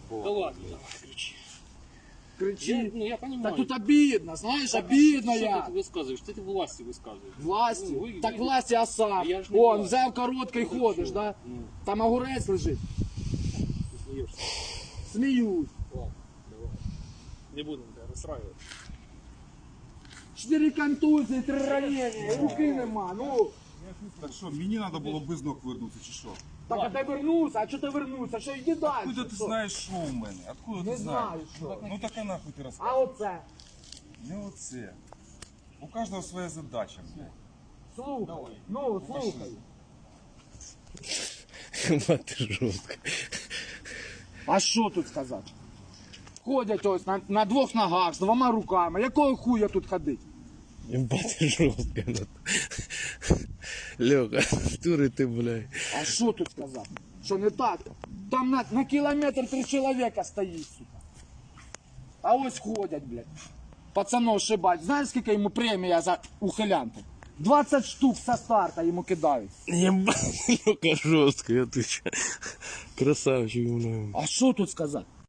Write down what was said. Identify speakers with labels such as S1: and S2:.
S1: Да ладно, давай, кричи.
S2: Кричи.
S1: Ну я понимаю.
S2: Так тут обидно, знаешь, обидно
S1: Что
S2: я.
S1: ты высказываешь? Ты власти высказываешь.
S2: Власті?
S1: Ну, ви-
S2: Так
S1: ви-
S2: власті, а сам.
S1: Я ж не
S2: Он,
S1: власть.
S2: взяв короткий
S1: Ну,
S2: ходиш,
S1: що?
S2: да?
S1: Ну.
S2: Там огурець лежить.
S1: Ты смеешься.
S2: Сміюсь.
S1: Ладно, давай. Не будем тебя расстраивать.
S2: 4 контузії, 3 ранення, руки нема, ну.
S3: Так що, мені треба було без ног вернутися, чи що?
S2: Так, а ти вернувся, а чого ти вернувся? Що, йди далі.
S3: Откуда ти
S2: що?
S3: знаєш, що у мене? Откуда
S2: Не
S3: ти знаєш?
S2: знаю, що.
S3: Ну так а нахуй ти
S2: А
S3: розказуєш?
S2: оце?
S3: Не оце. У кожного своя задача, блядь.
S2: Слухай, ну, слухай.
S4: Мати жорстко.
S2: А що тут сказати? Ходять ось на 2 ногах, з 2 руками. Якого хуя тут ходить?
S4: Мати жорстко. Льоха, дури ти, блядь.
S2: А що тут сказати? Що не так? Там на кілометр 3 чоловіка стоїть, сука. А ось ходять, блядь. Пацанов шибать. Знаєш, скільки йому премія за ухилянку? 20 штук со старта йому кидають.
S4: Єбать, Льоха жорстко, я отвечаю. Красавчик, блядь.
S2: А що тут сказати?